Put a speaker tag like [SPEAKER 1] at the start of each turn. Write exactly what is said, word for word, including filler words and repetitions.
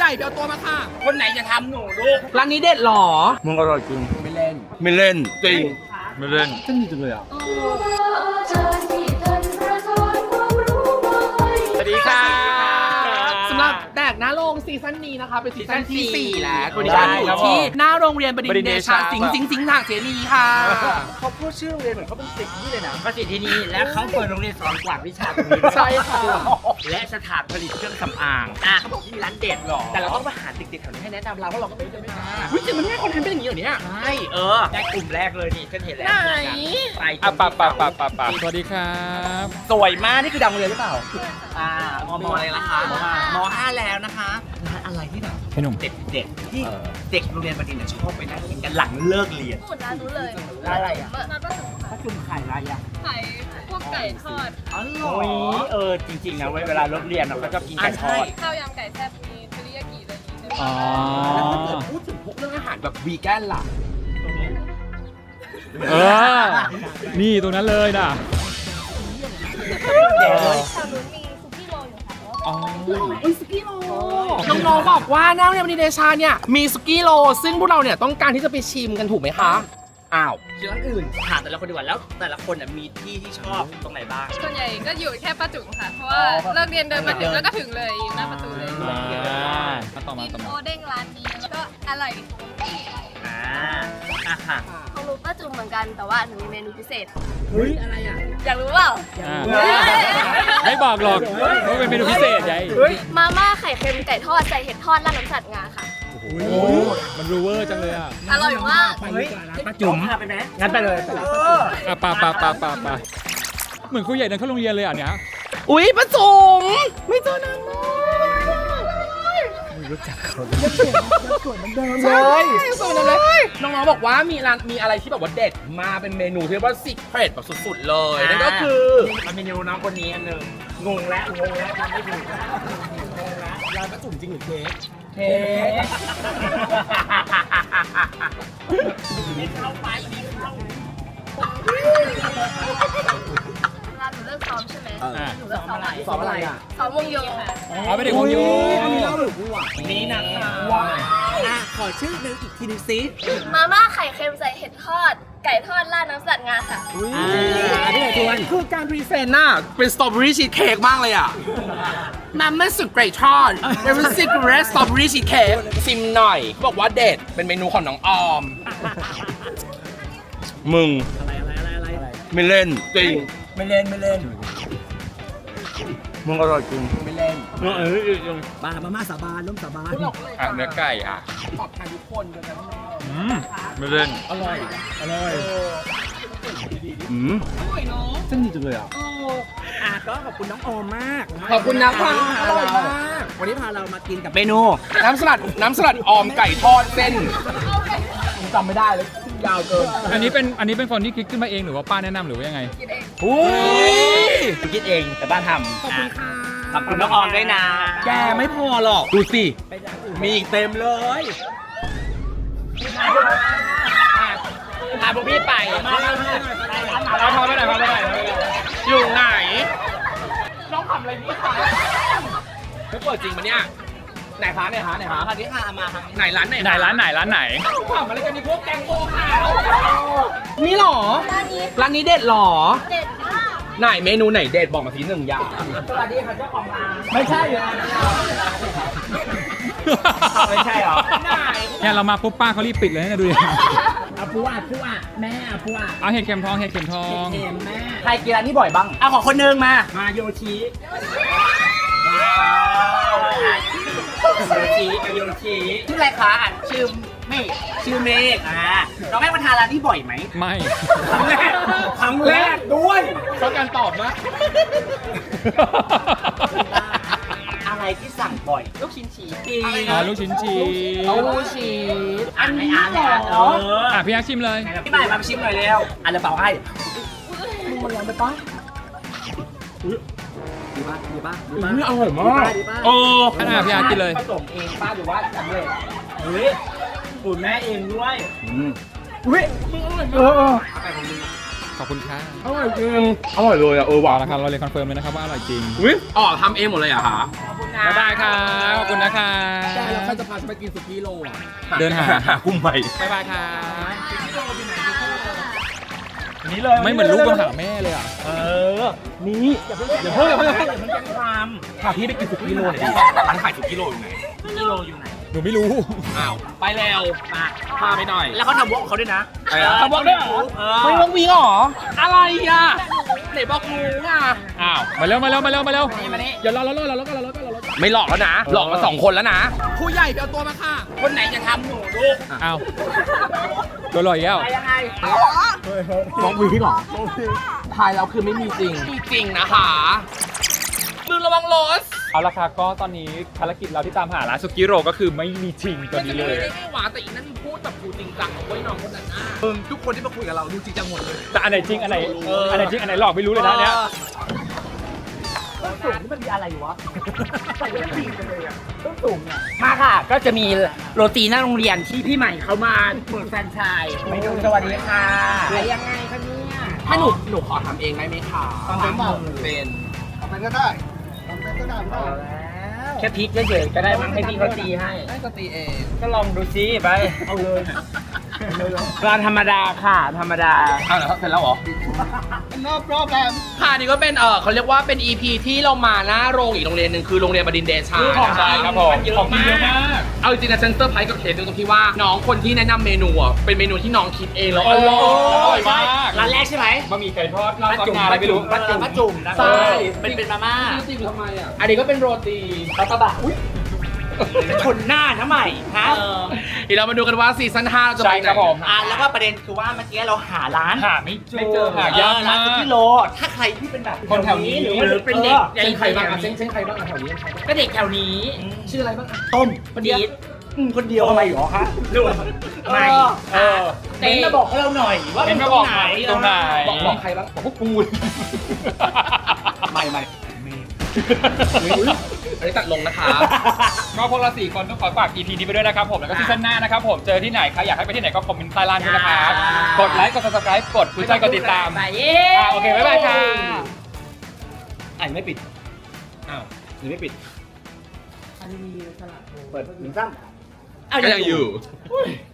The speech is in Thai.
[SPEAKER 1] ไปเอาตัวมาค่ะ
[SPEAKER 2] คนไหนจะทำหนูลูก
[SPEAKER 1] ร้านนี้เด็ดหรอ
[SPEAKER 2] มึงอร่อยจริง
[SPEAKER 1] ไม่เล่น
[SPEAKER 2] ไม่เล่นจริงไม่เล่น
[SPEAKER 1] ฉันดีจังเลยอ่ะ
[SPEAKER 2] สวัสดีค่ะ
[SPEAKER 1] สำหรับแดกหน้าโรงซีซั่นนี้นะคะเป็นซีซั่นที่สี่แล้วคุณดิ
[SPEAKER 2] ได้
[SPEAKER 1] ฉันอยู่
[SPEAKER 2] ครับ
[SPEAKER 1] ที่
[SPEAKER 2] ผม
[SPEAKER 1] หน้าโรงเรียนบดินทร์เดชา
[SPEAKER 2] บดิ
[SPEAKER 1] สิ
[SPEAKER 2] น
[SPEAKER 1] ง
[SPEAKER 2] ทร์
[SPEAKER 1] ห์
[SPEAKER 2] เดชา
[SPEAKER 1] สิงห์สิงห์ทางเสนีค่ะ
[SPEAKER 2] เขาพูดชื่อโรงเรียนเหมือนเขาเป็นศิษย์นี่เลยนะก็ศิษย์ที่นี่และเขาเปิดโรงเรียนสอนกวาดวิชาตรงนี้
[SPEAKER 1] ใช่ค่ะ
[SPEAKER 2] และสถานผลิตเครื่องสำอางอ่ะเขาบอกที่มีร้านเด็ดหรอแต่เราต้องมาหาเด็กๆแถวนี้ให้แนะนำเราเพราะเราก็ไม่ได้ไม่มา
[SPEAKER 1] วิจิตรมันไม่ให้คนทำเป็นอย่างนี้เหรอเนี่ย
[SPEAKER 2] ใช่เออได้กลุ่มแรกเลยนี่ฉันเห็นแล้ว
[SPEAKER 1] ไหน
[SPEAKER 2] ไป
[SPEAKER 3] อ่ะปะปะปะปะปะสวัสดีครับ
[SPEAKER 2] สวยมากนี่คือดังโรงเรียนหรือเปล่าอ่ามมอะไรนะคะมห้าแล้วนะคะร้านอะไรที่แบบ
[SPEAKER 3] พี่หนุ่ม
[SPEAKER 2] เด็กๆที่เด็กโรงเรียนบดินทร์เนี่ยชอบไปนั่งกินกันหลังเลิกเรียน
[SPEAKER 4] หมดร้านนู้นเลย
[SPEAKER 2] ร้านอะไรอ่ะ
[SPEAKER 4] ร้านป้าจุ๋มค่ะ
[SPEAKER 2] ป้าจุ่มขายอะไรอ่ะ
[SPEAKER 4] ขายพวกไก่ทอด
[SPEAKER 2] อ๋อเหรอเออจริงๆนะเว้ยเวลาเลิกเรียนเราก็จะกินไก่ทอด
[SPEAKER 4] ข้าวยำไก่แซ่บมีเทริยากิอะไรอย่างงี้
[SPEAKER 3] อ๋อ
[SPEAKER 1] แล้วถ้าเกิดพูดถึงพวกเรื่องอาหารแบบวีแกนล่ะ
[SPEAKER 3] เออ นี่ตรงนั้นเลยนะ
[SPEAKER 2] เด็กเลย
[SPEAKER 4] แถวนู้นมีซุกี้โรลอยู่ค่ะ
[SPEAKER 3] อ๋อ
[SPEAKER 1] อุ้ยสกี้โลน้องๆบอกว่าหน้าโรงเรียนบดินทร์เดชาเนี่ยมีสกี้โลซึ่งพวกเราเนี่ยต้องการที่จะไปชิมกันถูกไหมคะอ้าวร้านอื่น
[SPEAKER 2] ถามแต่ละคนดีกว่าแล้วแต่ละคนน่ะมีที่ที่ชอบตรงไหนบ้าง
[SPEAKER 4] ส่วนใหญ่ก็อยู่แค่ป้าจุ๋มค่ะ เพราะว่าเลิกเรียนเดินมาถึงแล้วก็ถึงเลยอยู่หน้าประตูเลย
[SPEAKER 3] อ่ามาต่อมา
[SPEAKER 4] มี
[SPEAKER 3] ต่อ
[SPEAKER 4] โอ
[SPEAKER 3] มา
[SPEAKER 4] เด้งร้านนี้แล้วก็อร่อย
[SPEAKER 2] อ่าอ่ะค่ะ
[SPEAKER 4] ของหนูป้าจุ๋มเหมือนกันแต่ว่าหนูมีเมนูพิเศษ
[SPEAKER 1] เฮ้ยอะไรอ่ะ
[SPEAKER 4] อยากรู้เปล่า
[SPEAKER 3] อ่าไม่บอกหรอกว่าเป็นเมนูพิเศษใหญ่
[SPEAKER 4] มาม่าไข่เค็มไก่ทอดใส่เห็ดทอดราดน้ำสัตว์งาค่ะ
[SPEAKER 3] โอ้โหมันรูเวอร์จังเลยอ่ะ
[SPEAKER 4] อร่อยมาก
[SPEAKER 2] เฮ้ยป้าจุ๋มพาไปไหมงั้นไปเลย
[SPEAKER 3] อ่ะปะปะปะปะปะเหมือนครูใหญ่เดินเข้าโรงเรียนเลยอ่ะเนี้ย
[SPEAKER 1] อุ๊ยป้าจุ๋มไม่เจอนานมากใช่สวยเหมือนเดิมเลยน้องๆบอกว่ามีร้านมีอะไรที่แบบว่าเด็ดมาเป็นเมนูที่เรียกว่าสิเครตแบบสุดๆเลยนั่นก็คือ
[SPEAKER 2] มันมีเมนูน้องคนนี้อันหนึ่งงงแล้วงงแล้วทำไม่ถูกแล้ว
[SPEAKER 1] ร้านป้าจุ๋มจริงหรือเค้ก
[SPEAKER 2] เค้ก
[SPEAKER 4] ร้านหนูเลิกซ้อมใช่ไหม
[SPEAKER 3] อ่ะ
[SPEAKER 4] หนูเลิกซ้อมอะไร
[SPEAKER 1] สอบอะไรอ่ะ
[SPEAKER 4] ซ้อมวงโยค่ะ
[SPEAKER 3] อ๋อเป็นเด็กวงโย
[SPEAKER 1] อันนี้เล่าหรือกูอ่ะ
[SPEAKER 2] นี่นะคะ
[SPEAKER 1] ว้าวอ่ะขอชื่อหนึ่งอีกทีนึงซิ
[SPEAKER 4] มาม่าไข่เค็มใส่เห็ดทอด ไก่ทอดราดน้ำสัตว์งาค่ะ
[SPEAKER 1] อ่าอันนี้ไหนทวนคือการพรีเซนต์น่ะเป็นสตรอเบอรี่ชีสเค้กมากเลยอ่ะมันไม่สุดเกรดทอดเป็นซิกเรสสตรอเบอรี่ชีสเค้กซิมหน่อยเขาบอกว่าเด็ดเป็นเมนูของน้องออม
[SPEAKER 2] มึง
[SPEAKER 1] อะไรอะไรอะไรอะไร
[SPEAKER 2] ไม่เล่นจริงไม่เล่นไม่เล่นมึงอร่อยจริง
[SPEAKER 1] ไม่เล่น
[SPEAKER 2] เออเออจริง
[SPEAKER 5] บามาม่าสาบานล้มสาบาน
[SPEAKER 3] อ่ะเนื้อไก่อ่ะ
[SPEAKER 1] ตอบแทนทุกคนเลยนะ
[SPEAKER 3] อืมไม่เล่น
[SPEAKER 1] อร่อยอร่อย
[SPEAKER 2] อืม
[SPEAKER 1] เส้นดีจังเลยอ่ะ
[SPEAKER 5] อ่ะก็ขอบคุณน้องโอมมาก
[SPEAKER 1] ขอบคุณนะคะอร่อยมาก
[SPEAKER 5] วันนี้พาเรามากินกับ
[SPEAKER 2] เมนู
[SPEAKER 1] น้ำสลัดน้ำสลัดออมไก่ทอดเส้นจำไม่ได้เลยยาวเกิน
[SPEAKER 3] อันนี้เป็นอันนี้เป็นคนที่คิดขึ้นมาเองหรือว่าป้าแนะนำหรือว่ายังไง
[SPEAKER 4] กินเอง
[SPEAKER 1] อุ้ย
[SPEAKER 2] คิดเองแต่บ้านทำขอบคุณค่ะขอบคุณน้องออมด้วยนะ
[SPEAKER 1] แกไม่พอหรอกดูสิมีอีกเต็มเลย
[SPEAKER 2] พาพวกพี่ไปมา
[SPEAKER 3] เอาพาไปไหนพาไปไหน
[SPEAKER 1] อยู่ไหนน้องทำอะไรนี่คะไม่เปิดจริงปะเนี่ยไหนคะไหนคะไหนคะ
[SPEAKER 2] พาพี่พามาทาง
[SPEAKER 1] ไหนร้านไหน
[SPEAKER 3] ไหนร้านไหนร้านไหน
[SPEAKER 1] ทำอะไรกันนี่พวกแกงโง่ขาวนี่หรอ
[SPEAKER 4] ร้านนี้
[SPEAKER 1] ร้านนี้เด็ดหรอ
[SPEAKER 4] เด็ดมาก
[SPEAKER 1] ไหนเมนูไหนเด็ดบอกมาทีหนึ่งอย่าง
[SPEAKER 2] สวัสดีค่ะเจ้าของร้าน
[SPEAKER 1] ไม่ใช่เลย
[SPEAKER 2] ไม่ใช่เหรอ
[SPEAKER 3] เนี่ยเรามาปุ๊บป้าเขารีบปิดเลยนะดูดิ
[SPEAKER 5] อาปูอ่ะปูอ่ะแม่อาปูอ่ะ
[SPEAKER 3] เอาเห็ดเข็มทองเห็ดเข็มทอง
[SPEAKER 5] เค็มแม่
[SPEAKER 2] ใครกินร้านนี้บ่อยบ้างเอาขอคนนึงมา
[SPEAKER 5] มาโยชิ
[SPEAKER 2] โยชิโยชิชื่ออะไรคะอ่านชื่อเมฆชื่อเมฆอ่าน้องแม่มาทานร้านนี้บ่อยไหม
[SPEAKER 3] ไม่
[SPEAKER 2] ครั้งแรกครั้งแรกด้วย
[SPEAKER 1] ชอบการตอบนะ
[SPEAKER 2] อะไรที่สั่งบ่อยลูกชิ้นชีส
[SPEAKER 3] อ๋อลูกชิ้นชีส
[SPEAKER 1] เอาลูกชีส
[SPEAKER 2] อันนี้อ่านเลยอ่ะเออ
[SPEAKER 3] อ่ะพี่ยักษ์ชิมเลย
[SPEAKER 2] พี่ใหม่มาชิมหน่อยเร็วอ่านเลยเปล่าให้
[SPEAKER 1] มึงมันร้อนไปปะ
[SPEAKER 5] ดีป่ะดีป่ะดี
[SPEAKER 1] อื
[SPEAKER 5] ป่ะ
[SPEAKER 1] มอร่อยมาก
[SPEAKER 5] ดีป่ะ
[SPEAKER 2] โอ้
[SPEAKER 3] ขนาดพี่ยักษ์กินเลย
[SPEAKER 2] ผสมเองป้าหรือว่าสำเร็จเฮ้ยสูตรแม่เองด้วย
[SPEAKER 1] อุ้ยมึงอร่อยมากเออ
[SPEAKER 3] ขอบคุณค่ะ
[SPEAKER 1] อร่อยจริงอร่อยเลยอ่ะเออหวา
[SPEAKER 3] เอา
[SPEAKER 1] น
[SPEAKER 3] ละครับเราเลยคอนเฟิร์มเลยนะครับว่าอร่อยจริง
[SPEAKER 1] อุ้ยอ๋อทำเองหมดเลยเหรอ่ะคะ
[SPEAKER 3] บ๊ายบายครับขอบคุณนะคะ
[SPEAKER 5] แต่เราข
[SPEAKER 1] เราจะพาฉันไปกินสุกี้โลอ่ะ
[SPEAKER 3] เดินหา
[SPEAKER 1] กุ้งใหม่
[SPEAKER 3] บ๊ายบายค่ะ
[SPEAKER 2] นี่เลย
[SPEAKER 3] ไม่เหมือนลูกมาหาแม่เลยอ่ะ
[SPEAKER 2] เออ นี่อย่าเพิ่งอย่าเพิ่งอย่าเพิ่งอย่าเพิ่งแจ้งความ
[SPEAKER 1] พาพี่ไปกินสุกี้โลหน่อยดิร้านขายสุกี้โลอยู่ไหน
[SPEAKER 2] กิโลอยู่ไหน
[SPEAKER 3] หนูไม่รู้
[SPEAKER 1] อ้าวไปแล้ว
[SPEAKER 2] มา
[SPEAKER 1] พาไปหน่อย
[SPEAKER 2] แล้วเขาทำวอล์กเขาด้วยนะ
[SPEAKER 1] ไปอ่ะทำวอล์กด้วยเหรอ
[SPEAKER 2] เอ
[SPEAKER 1] ไม่
[SPEAKER 2] อ
[SPEAKER 1] ต้องวิ่งเหรออะไรอ่ะไหนบอกงูอ่ะ
[SPEAKER 3] อ้าว มาเร็วมาเร็วมาเร็วมาเร็ว
[SPEAKER 2] นี่มานี่
[SPEAKER 3] อย่ารอรอรอรอรอรอรอรอรอ
[SPEAKER 1] ไม่หลอกแล้วนะ หลอกมาสองคนแล้วนะผู้ใหญ่ไปเอาตัวมาค่ะ
[SPEAKER 2] คนไหนจะทำหนูลูก
[SPEAKER 3] อ้าวโดนหลอกอีกแล้ว
[SPEAKER 2] อะไรยังไง
[SPEAKER 1] น้องวีเหรอทายเราคือไม่มีจริงมีจริงนะคะมึงระวังรถ
[SPEAKER 3] เอาละค่ะก็ตอนนี้ภารกิจเราที่ตามหาร้านสุกี้โรก็คือไม่มีจริงตอนนี้เลย
[SPEAKER 1] ไม่ได้ไม่หวานแต่อีนั่นพูดแบบดูจริงจังเอาไว้น้องคนนั้นน่ะมึงทุกคนที่มาคุยกับเราดูจริงจังหมดเลย
[SPEAKER 3] แต่อันไหนจริงอันไหนอันไหนจริงอันไหนหลอกไม่รู้เลยนะเนี่ย
[SPEAKER 2] ต้นสูงนี่มันมีอะไรวะใส่ไม่ดีกันเลยอ่ะต้นสูงเนี่ยมาค่ะ ก็จะมีโรตีหน้าโรงเรียนที่พี่ใหม่เขามาเปิดแฟรนไชส์ไปดูสวัสดีค่ะอะไรยังไงคะเนี่ย
[SPEAKER 1] ถ้าหนูหนูขอทำเองได้ไหมคะ
[SPEAKER 2] ทำได้หมด
[SPEAKER 1] เป็น
[SPEAKER 2] แค่พริกเฉยๆก็ได้มั้งให้พี่เขาตีให้
[SPEAKER 1] ได้ก็ตีเอง
[SPEAKER 2] ก็ลองดูซิไป เอาเลยร้านธรรมดาค่ะ ธรรมดา
[SPEAKER 1] อ้าวเหรอเสร็จแล้วเหรอ no problem ค่ะนี่ก็เป็นเออเขาเรียกว่าเป็น อี พี ที่เรามาหน้าโรงอีกโรงเรียนหนึ่งคือโรงเรียนบดินทร์เดชา
[SPEAKER 2] คือของ
[SPEAKER 3] ใช่ครับผม
[SPEAKER 2] เยอะ
[SPEAKER 3] ของกินเยอะ
[SPEAKER 2] มาม
[SPEAKER 3] าก ก
[SPEAKER 1] เอาจริงๆนะเซนเตอร์ไพรส์กับเคสตรงที่ว่าน้องคนที่แนะนำเมนูอ่ะเป็นเมนูที่น้องคิดเองแล้วอร่อย
[SPEAKER 3] อร่อยมาก
[SPEAKER 2] ร้านแรกใช่ไหม
[SPEAKER 3] บะหมี่ไก่ทอดราดซอสงาอะไรไม่รู้
[SPEAKER 2] ป้าจุ่มป้าจุ่มนะ
[SPEAKER 1] ใช่
[SPEAKER 2] เป็นเป็นมาม่า
[SPEAKER 1] จริงทำไมอ่ะอันนี้ก็เป็นโรตี
[SPEAKER 2] ปลาตะบะชนหน้าทำไมฮะ
[SPEAKER 1] เดี๋ยวเรามาดูกันว่าซีซั่นห้าเราจะไป
[SPEAKER 3] ใช่
[SPEAKER 1] ไหน
[SPEAKER 3] ครับผม
[SPEAKER 2] อ่ะแล้วก็ประเด็นคือว่าเมื่อกี้เราหาร้าน
[SPEAKER 3] หาไม่ไม่เจอหายาก
[SPEAKER 2] เออร้าม
[SPEAKER 3] าน
[SPEAKER 2] สุ
[SPEAKER 3] ก
[SPEAKER 2] กี้โล ถ้าใครที่เป็นแบบ
[SPEAKER 3] คนแถวนี้
[SPEAKER 2] หรือว่าเป็นเด็ก
[SPEAKER 1] เช่นใครบ้างอ่ะเช่นเช่นใครบ้างอ่ะแถวนี้ใครบ้าง
[SPEAKER 2] ก็เด็กแถวนี้
[SPEAKER 1] ชื่ออะไรบ้างอ่ะ
[SPEAKER 2] ต้มดีดอืมคนเดียวทำไมหรอฮะไม่
[SPEAKER 3] เออ
[SPEAKER 2] เต้นมาบอกให้เราหน่อยว่า
[SPEAKER 3] เต้น
[SPEAKER 2] มั
[SPEAKER 3] มาบอก
[SPEAKER 2] ตรงไหน
[SPEAKER 3] ตรงไหน
[SPEAKER 1] บอกบอกใครบ้างบอกพวกกู
[SPEAKER 2] ไม่ไม่
[SPEAKER 1] อันนี้ตัดลงนะคะ
[SPEAKER 3] ก็พวกเราสี่คนต้องขอฝาก อี พี นี้ไปด้วยนะครับผม แล้วก็ซีซั่นหน้านะครับผม เจอที่ไหนใครอยากให้ไปที่ไหนก็คอมเมนต์ใต้ล่างด้วยนะครับ กดไลค์ กด ซับสไครบ์ กดหัวใจกดติดตาม
[SPEAKER 2] ไปเย้
[SPEAKER 3] อ่าโอเค บ๊ายบายค่ะ
[SPEAKER 2] อ่ะยังไม่ปิด
[SPEAKER 1] อ้าว
[SPEAKER 2] ยังไม่ปิดอันนี้มีสลัดเปิดหนึ่งซ้ำ
[SPEAKER 1] ก็ยังอยู่